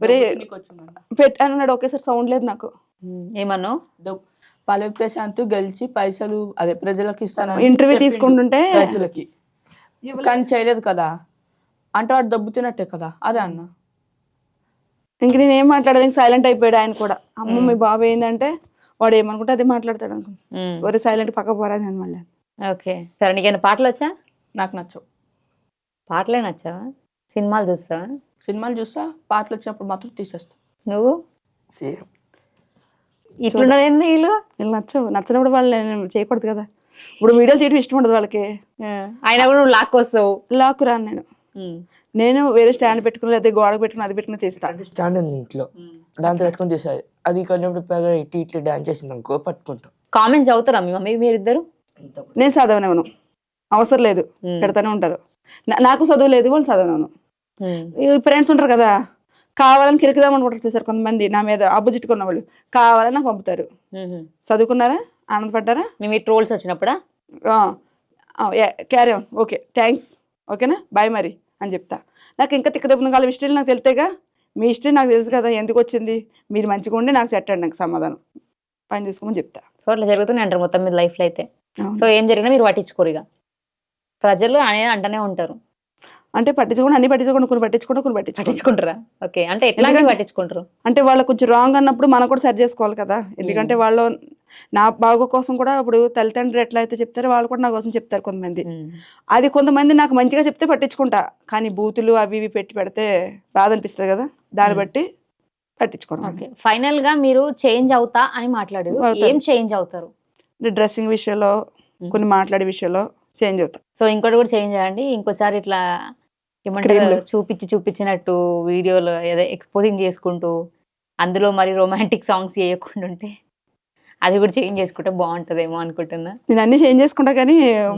Speaker 3: అన్నాడు. ఒకేసారి సౌండ్ లేదు నాకు.
Speaker 1: ఏమన్నావు?
Speaker 2: పల్లవి ప్రశాంత్ గెలిచి పైసలు అదే ప్రజలకు ఇస్తాను
Speaker 3: ఇంటర్వ్యూ తీసుకుంటుంటే
Speaker 2: రైతులకి, కానీ చేయలేదు కదా అంటే వాడు దబ్బుతున్నట్టే కదా. అదే అన్న.
Speaker 3: ఇంక నేను ఏం మాట్లాడలేదు, సైలెంట్ అయిపోయాడు ఆయన కూడా. అమ్మ మీ బాబు ఏంటంటే వాడు ఏమనుకుంటే అది మాట్లాడతాడు అనుకుంటా. సరే సైలెంట్ పక్క పోరా నేను మళ్ళీ.
Speaker 1: ఓకే సరే. నీకేమైనా పాటలు వచ్చా?
Speaker 2: నాకు నచ్చవు.
Speaker 1: పాటలే నచ్చావా? సినిమాలు చూస్తావా?
Speaker 2: సినిమాలు చూస్తా, పాటలు వచ్చినప్పుడు మాత్రం తీసేస్తా.
Speaker 1: నువ్వు
Speaker 6: సేమ్.
Speaker 1: ఇట్లున్నారు ఏంది వీళ్ళు?
Speaker 3: వీళ్ళు నచ్చినప్పుడు వాళ్ళు నేను చేయకూడదు కదా. ఇప్పుడు వీడియోలు తీయడం ఇష్టం ఉండదు వాళ్ళకి,
Speaker 1: అయినా కూడా నువ్వు లాక్కొస్తావు.
Speaker 3: లాక్కు రాను నేను వేరే స్టాండ్ పెట్టుకుని లేదా గోడకు పెట్టుకుని అది పెట్టుకుని తీస్తాను.
Speaker 6: స్టాండ్ ఉంది ఇంట్లో, దాంతో పెట్టుకుని తీసాయి. అది కొంచెం ఇటు ఇట్లా డాన్స్ చేసింది అనుకో పట్టుకుంటాం.
Speaker 1: కామెంట్స్ చదువుతారా మీ మమ్మీ మీరిద్దరు?
Speaker 3: నేను చదవనివ్వను, అవసరం లేదు, పెడతానే ఉంటారు. నాకు చదువు లేదు, వాళ్ళు చదవను. ఫ్రెండ్స్ ఉంటారు కదా, కావాలని కిరికిదాం అనుకుంటారు చూసారు కొంతమంది నా మీద అబ్బుజిట్టుకున్న వాళ్ళు, కావాలని నాకు పంపుతారు. చదువుకున్నారా, ఆనందపడ్డారా?
Speaker 1: మేము ఈ ట్రోల్స్ వచ్చినప్పుడా
Speaker 3: క్యారీ ఆన్, ఓకే థ్యాంక్స్, ఓకేనా బాయ్ మరి అని చెప్తా. నాకు ఇంకా తిక్కదెబ్బున కాలం హిస్టరీ నాకు తెలితేగా, మీ హిస్టరీ నాకు తెలుసు కదా ఎందుకు వచ్చింది, మీరు మంచిగా ఉండి నాకు సెట్ అండి, నాకు సమాధానం పని చూసుకోమని చెప్తా.
Speaker 1: సో అట్లా జరుగుతూనే అంటారు మొత్తం మీద లైఫ్లో అయితే. సో ఏం జరిగినా మీరు పట్టించుకోరు, ఇక ప్రజలు అనేది అంటనే ఉంటారు.
Speaker 3: అంటే పట్టించుకోండి, అన్ని పట్టించుకోండి, కొన్ని
Speaker 1: పట్టించుకుంటారా? ఓకే, అంటే ఎట్లా పట్టించుకుంటారు
Speaker 3: అంటే వాళ్ళు కొంచెం రాంగ్ అన్నప్పుడు మనం కూడా సరి చేసుకోవాలి కదా. ఎందుకంటే వాళ్ళు నా బాగో కోసం కూడా, ఇప్పుడు తల్లిదండ్రులు ఎట్లా అయితే చెప్తారో వాళ్ళు కూడా నా కోసం చెప్తారు కొంతమంది. అది కొంతమంది నాకు మంచిగా చెప్తే పట్టించుకుంటా, కానీ బూతులు అవి ఇవి పెడితే బాధ అనిపిస్తుంది కదా, దాన్ని బట్టి పట్టించుకోండి.
Speaker 1: ఫైనల్ గా మీరు చేంజ్ అవుతా అని మాట్లాడారు, ఏం చేంజ్ అవుతారు?
Speaker 3: డ్రెస్సింగ్ విషయంలో, కొన్ని మాట్లాడే విషయంలో చేంజ్ అవుతా.
Speaker 1: సో ఇంకోటి కూడా చేంజ్ చేయండి, ఇంకోసారి ఇట్లా ఏమంటారు చూపించినట్టు వీడియోలు ఏదో ఎక్స్పోజింగ్ చేసుకుంటూ అందులో మరి రొమాంటిక్ సాంగ్స్ చేయకుండా ఉంటే అది కూడా చేంజ్ చేసుకుంటే బాగుంటుందేమో అనుకుంటున్నా.
Speaker 3: నేను అన్ని చేంజ్ చేసుకుంటా, కానీ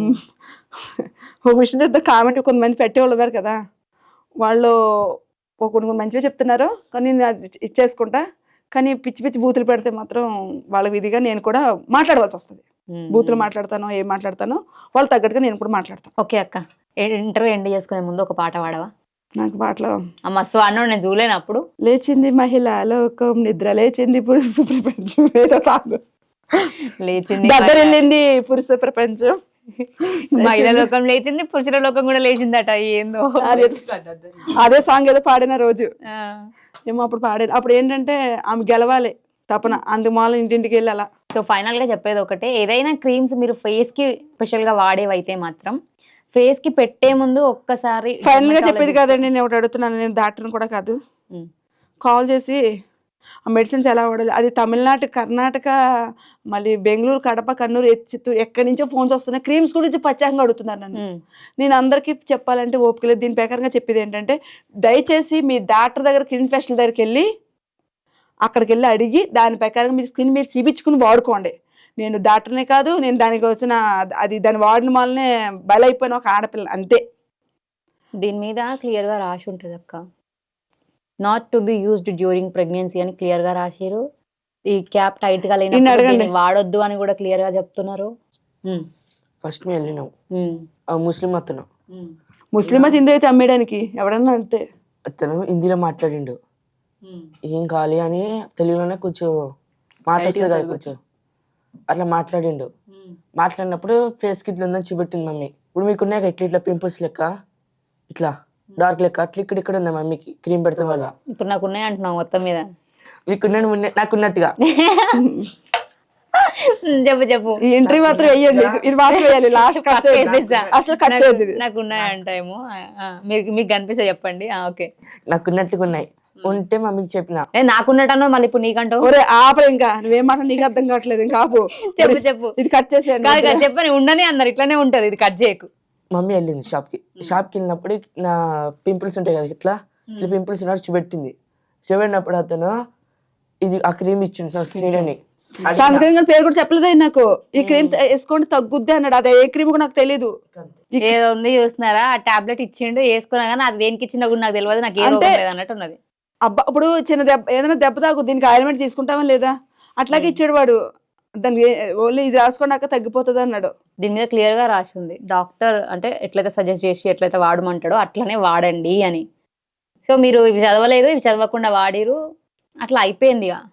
Speaker 3: ఒక విషయం చెప్తే కామెంట్ కొంతమంది పెట్టేవాళ్ళు ఉన్నారు కదా, వాళ్ళు కొన్ని మంచిగా చెప్తున్నారు కానీ నేను అది ఇచ్చేసుకుంటా, కానీ పిచ్చి పిచ్చి బూతులు పెడితే మాత్రం వాళ్ళ విధిగా నేను కూడా మాట్లాడవలసి వస్తుంది. బూతులు మాట్లాడతానో ఏం మాట్లాడతానో వాళ్ళు తగ్గట్టుగా నేను కూడా మాట్లాడతాను.
Speaker 1: ఓకే అక్క, ఇంటర్వ్యూ ఎండ్ చేసుకునే ముందు ఒక పాట పాడవా?
Speaker 3: నాకు పాటలో
Speaker 1: మస్తు అన్నాడు, నేను చూలేను అప్పుడు.
Speaker 3: లేచింది మహిళా లోకం, నిద్ర లేచింది పురుష ప్రపంచం, ఏదో సాగు
Speaker 1: లేచింది
Speaker 3: దగ్గర వెళ్ళింది పురుష ప్రపంచం,
Speaker 1: మహిళా లోకం లేచింది, పురుషుల లోకం కూడా లేచిందట. ఏందో
Speaker 3: అదే సాంగ్ ఏదో పాడిన రోజు ఏమో అప్పుడు పాడేది. అప్పుడు ఏంటంటే ఆమె గెలవాలి తపన, అందుకు మాల ఇంటింటికి వెళ్ళి అలా.
Speaker 1: సో ఫైనల్ గా చెప్పేది ఒకటే, ఏదైనా క్రీమ్స్ మీరు ఫేస్ కి స్పెషల్ గా వాడేవైతే మాత్రం ఫేస్ కి పెట్టే ముందు ఒక్కసారి
Speaker 3: ఫైనల్ గా చెప్పేది కాదండి, నేను ఒకటి అడుగుతున్నాను, నేను డాక్టర్ని కూడా కాదు, కాల్ చేసి ఆ మెడిసిన్స్ ఎలా వాడాలి, అది తమిళనాడు, కర్ణాటక, మళ్ళీ బెంగళూరు, కడప, కన్నూరు, చిత్తూరు, ఎక్కడి నుంచో ఫోన్స్ వస్తున్నాయి, క్రీమ్స్ గురించి ప్రత్యేకంగా అడుగుతున్నారు నన్ను. నేను అందరికీ చెప్పాలంటే ఓపిక లేదు. దీని ప్రకారంగా చెప్పేది ఏంటంటే, దయచేసి మీ డాక్టర్ దగ్గర, స్కిన్ స్పెషల్ దగ్గరికి వెళ్ళి అక్కడికి వెళ్ళి అడిగి దాని ప్రకారంగా మీరు స్కిన్ మీరు చూపించుకుని వాడుకోండి. నేను డాక్టర్నే కాదు, నేను దానికి వచ్చిన అది దాని వాడిన వల్లనే బలైపోయిన ఒక ఆడపిల్ల అంతే.
Speaker 1: దీని మీద క్లియర్గా రాసి ఉంటుంది అక్క, not to be used during pregnancy అని క్లియర్గా రాశారు. ఈ క్యాప్ టైట్ గా
Speaker 3: నిన్ను
Speaker 1: లేనప్పుడు
Speaker 3: అడగండి.
Speaker 1: దీన్ని వాడొద్దు అని కూడా క్లియర్ గా చెప్తున్నారు.
Speaker 6: ఫస్ట్ మేము వెళ్ళినాం,
Speaker 1: ఉమ్,
Speaker 6: ఆ ముస్లిం అతను
Speaker 1: ఉమ్,
Speaker 3: ముస్లిం హిందూ అయితే అమ్మేయడానికి ఎవడన్నా అంటే
Speaker 6: అతను హిందీలో మాట్లాడిండు.
Speaker 1: ఉమ్,
Speaker 6: ఏం కావాలి అని తెలుగులోనే కొంచెం మాట వస్తుంది కదా కొంచెం అట్లా మాట్లాడిండు.
Speaker 1: ఉమ్.
Speaker 6: మాట్లాడినప్పుడు ఫేస్ కి ఇట్లా ఉందని చూపెట్టింది మమ్మీ. ఇప్పుడు మీకున్నాయి ఇట్లా ఇట్లా పింపుల్స్ లెక్క, ఇట్లా డార్క్ లెక్క అట్లా ఇక్కడ ఉంది మమ్మీకి క్రీమ్ పెడతాం వల్ల.
Speaker 1: ఇప్పుడు నాకు ఉన్నాయి అంటున్నావు మొత్తం మీద.
Speaker 6: మీకున్నాను నాకున్నట్టుగా.
Speaker 1: చెప్పు చెప్పు.
Speaker 3: ఈ ఎంట్రీ మాత్రం వేయండి, ఇది మాత్రం వేయాలి, లాస్ట్ కట్
Speaker 1: వేసేసా.
Speaker 3: అసలు కట్ చేయదు ఇది.
Speaker 1: నాకు ఉన్నాయి అంటాయేమో. మీకు కనిపిస్తే చెప్పండి. ఓకే,
Speaker 6: నాకున్నట్టుగా ఉన్నాయి. ఉంటే మమ్మీకి చెప్పిన.
Speaker 1: నాకున్నట్టు మళ్ళీ ఇప్పుడు నీకంటావు.
Speaker 3: ఒరే ఆపరు, ఇంకా నువ్వేం మాట నీకు అర్థం కావట్లేదు, ఇంకా ఆపు.
Speaker 1: చెప్పు చెప్పు.
Speaker 3: ఇది కట్ చేసేయండి.
Speaker 1: కాదు కాదు చెప్పని ఉండని అన్నారు, ఇట్లానే ఉంటది, ఇది కట్ చేయకు.
Speaker 6: మమ్మీ వెళ్ళింది షాప్కి వెళ్ళినప్పుడు నా పింపుల్స్ ఉంటాయి కదా ఇట్లా ఇట్లా పింపుల్స్ ఉన్నట్టు చూపెట్టింది. చూపెట్టినప్పుడు అతను ఇది ఆ క్రీమ్ ఇచ్చిండు సన్ స్క్రీన్ అని.
Speaker 3: సన్ స్క్రీన్ పేరు కూడా చెప్పలేదు ఆయన నాకు. ఈ క్రీమ్ వేసుకోండి తగ్గుద్ది అన్నాడు, అది ఏ క్రీమ్ కూడా నాకు తెలియదు.
Speaker 1: ఏదో ఉంది చూస్తున్నారా, ఆ టాబ్లెట్ ఇచ్చిండు వేసుకున్నా కానీ అది దేనికి ఇచ్చిందో కూడా నాకు తెలియదు, నాకు ఏ రోగం లేదు అన్నట్టు ఉన్నది.
Speaker 3: అబ్బా ఇప్పుడు చిన్న దెబ్బ ఏదైనా దెబ్బ తాగు దీనికి ఆయిల్మెంట్ తీసుకుంటావా లేదా, అట్లాగే ఇచ్చాడు వాడు. దానికి ఓన్లీ ఇది రాసుకున్నాక తగ్గిపోతుంది అన్నాడు.
Speaker 1: దీని మీద క్లియర్ గా రాసి ఉంది, డాక్టర్ అంటే ఎట్లయితే సజెస్ట్ చేసి ఎట్లయితే వాడమంటాడో అట్లనే వాడండి అని. సో మీరు ఇవి చదవలేదు, ఇవి చదవకుండా వాడిరు, అట్లా అయిపోయింది. ఇక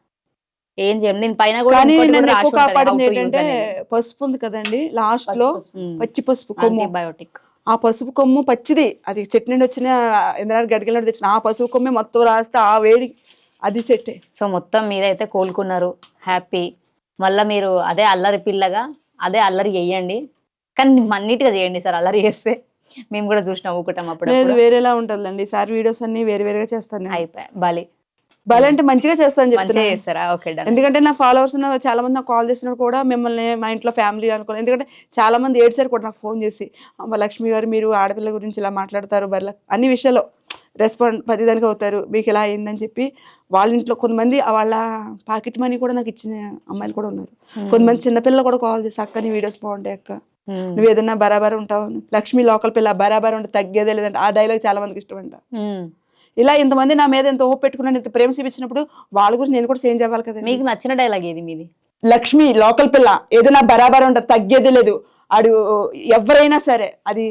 Speaker 1: ఏం చేయండి. దీని పైన కూడా
Speaker 3: కానీ
Speaker 1: ఇంకోటి కూడా
Speaker 3: నన్ను
Speaker 1: రాసి
Speaker 3: ఎక్కువ
Speaker 1: ఉంటది, how
Speaker 3: కాపాడింది
Speaker 1: to use
Speaker 3: ఏంటంటే
Speaker 1: అనేది.
Speaker 3: పసుపు ఉంది కదండి లాస్ట్ లో, పచ్చి పసుపు కొమ్ము.
Speaker 1: యాంటీబయోటిక్.
Speaker 3: ఆ పసుపు కొమ్ము పచ్చిది, అది చెట్టు నుండి వచ్చిన ఎందుకంటే గడికెళ్ళి తెచ్చిన ఆ పసుపు కొమ్మే మొత్తం రాస్తే ఆ వేడి అది సెట్టే.
Speaker 1: సో మొత్తం మీద అయితే కోలుకున్నారు, హ్యాపీ. మళ్ళీ మీరు అదే అల్లరి పిల్లగా అదే అల్లరి చేయండి, కానీ మన్నిటిగా చేయండి సార్. అల్లరి చేస్తే మేము కూడా చూసి నవ్వుకుంటాం
Speaker 3: లేదు
Speaker 1: అప్పుడు.
Speaker 3: వేరేలా ఉంటుందండి ఈసారి వీడియోస్ అన్ని వేరే వేరేగా చేస్తాను నేను.
Speaker 1: అయిపోయా బలి
Speaker 3: భలే అంటే మంచిగా చేస్తాను
Speaker 1: మంచిగా
Speaker 3: చెప్తున్నాను.
Speaker 1: చేస్తారా? Okay done.
Speaker 3: ఎందుకంటే నా ఫాలోవర్స్ చాలా మంది నాకు కాల్ చేసినప్పుడు కూడా మిమ్మల్ని మా ఇంట్లో ఫ్యామిలీ అనుకోను. ఎందుకంటే చాలా మంది ఏడ్చారు కూడా నాకు ఫోన్ చేసి, అమ్మ లక్ష్మి గారు మీరు ఆడపిల్ల గురించి ఇలా మాట్లాడతారు, బర్ల అన్ని విషయాల్లో రెస్పాండ్ ప్రతిదానికి అవుతారు, మీకు ఇలా అయిందని చెప్పి వాళ్ళ ఇంట్లో కొంతమంది వాళ్ళ పాకెట్ మనీ కూడా నాకు ఇచ్చిన అమ్మాయిలు కూడా ఉన్నారు. కొంతమంది చిన్నపిల్లలు కూడా కాల్ చేసి అక్క నీ వీడియోస్ బాగుంటాయి అక్క, నువ్వు ఏదన్నా బరాబర్ ఉంటావు, లక్ష్మి లోకల్ పిల్ల బరాబర్ ఉంటే తగ్గేదే లేదంటే ఆ డైలాగ్ చాలా మందికి ఇష్టం అంట. ఇలా ఇంతమంది నా మీద ఎంత హోప్ పెట్టుకున్నాను, ఇంత ప్రేమ చూపించినప్పుడు వాళ్ళ గురించి నేను కూడా చేంజ్ అవ్వాలి కదా.
Speaker 1: మీకు నచ్చిన డైలాగ్ ఏది మీది?
Speaker 3: లక్ష్మి లోకల్ పిల్ల ఏదైనా బరాబర్ ఉంటుంది తగ్గేది లేదు, ఆడు ఎవరైనా సరే, అది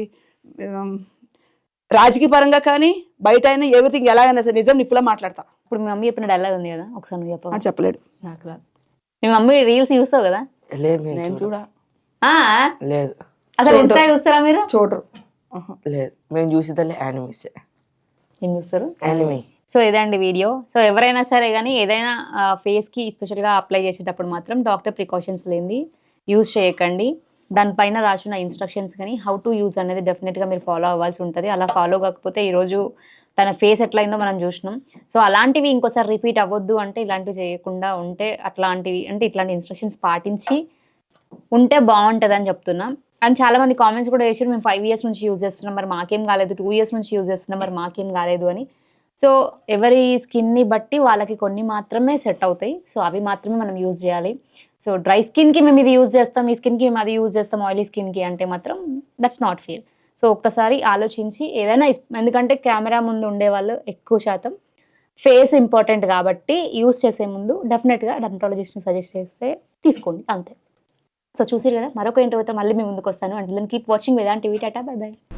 Speaker 3: రాజకీయ పరంగా కానీ బయట అయినా ఎవ్రీథింగ్ ఎలాగైనా సరే నిజం నిప్పులా మాట్లాడతా.
Speaker 1: ఇప్పుడు మీ మమ్మీ చెప్పిన డైలాగ్ ఉంది కదా, ఒకసారి నువ్వు చెప్పవా?
Speaker 3: చెప్పలేడు.
Speaker 1: నాకు రాదు. మీ మమ్మీ రీల్స్ చూస్తావు కదా?
Speaker 6: లేదు
Speaker 2: నేను చూడా.
Speaker 6: లేదు
Speaker 1: అసలు ఇన్స్టా చూస్తారా మీరు?
Speaker 3: చూడరు.
Speaker 6: లేదు మేము చూసేదల్లే యానిమీస్.
Speaker 1: ఏం చూస్తారు?
Speaker 6: యానిమీ.
Speaker 1: సో ఇదండి వీడియో. సో ఎవరైనా సరే కానీ ఏదైనా ఫేస్కి స్పెషల్గా అప్లై చేసేటప్పుడు మాత్రం డాక్టర్ ప్రికాషన్స్ లేనిది యూజ్ చేయకండి. దానిపైన రాసిన ఇన్స్ట్రక్షన్స్ కానీ హౌ టు యూజ్ అనేది డెఫినెట్గా మీరు ఫాలో అవ్వాల్సి ఉంటుంది. అలా ఫాలో కాకపోతే ఈరోజు తన ఫేస్ ఎట్లయిందో మనం చూసినాం. సో అలాంటివి ఇంకోసారి రిపీట్ అవ్వద్దు అంటే ఇలాంటివి చేయకుండా ఉంటే అట్లాంటివి అంటే ఇట్లాంటి ఇన్స్ట్రక్షన్స్ పాటించి ఉంటే బాగుంటుంది అని చెప్తున్నాం. అండ్ చాలా మంది కామెంట్స్ కూడా వేసారు, మేము 5 years నుంచి యూజ్ చేస్తున్నాం మరి మాకేం కాలేదు, 2 years నుంచి యూజ్ చేస్తున్నాం మరి మాకేం కాలేదు అని. సో ఎవరి స్కిన్ని బట్టి వాళ్ళకి కొన్ని మాత్రమే సెట్ అవుతాయి. సో అవి మాత్రమే మనం యూజ్ చేయాలి. సో డ్రై స్కిన్కి మేము ఇది యూజ్ చేస్తాం, ఈ స్కిన్కి మేము అది యూజ్ చేస్తాం, ఆయిలీ స్కిన్కి అంటే మాత్రం దట్స్ నాట్ ఫెయిర్. సో ఒక్కసారి ఆలోచించి ఏదైనా, ఎందుకంటే కెమెరా ముందు ఉండేవాళ్ళు ఎక్కువ శాతం ఫేస్ ఇంపార్టెంట్ కాబట్టి యూజ్ చేసే ముందు డెఫినెట్గా డర్మటాలజిస్ట్ని సజెస్ట్ చేస్తే తీసుకోండి అంతే. సో చూసారు కదా, మరొక ఇంటర్వ్యూతో మళ్ళీ మీ ముందుకు వస్తాను. అంటే కీప్ వాచింగ్ వేదాంత్ టీవీ. టాటా, బై బై.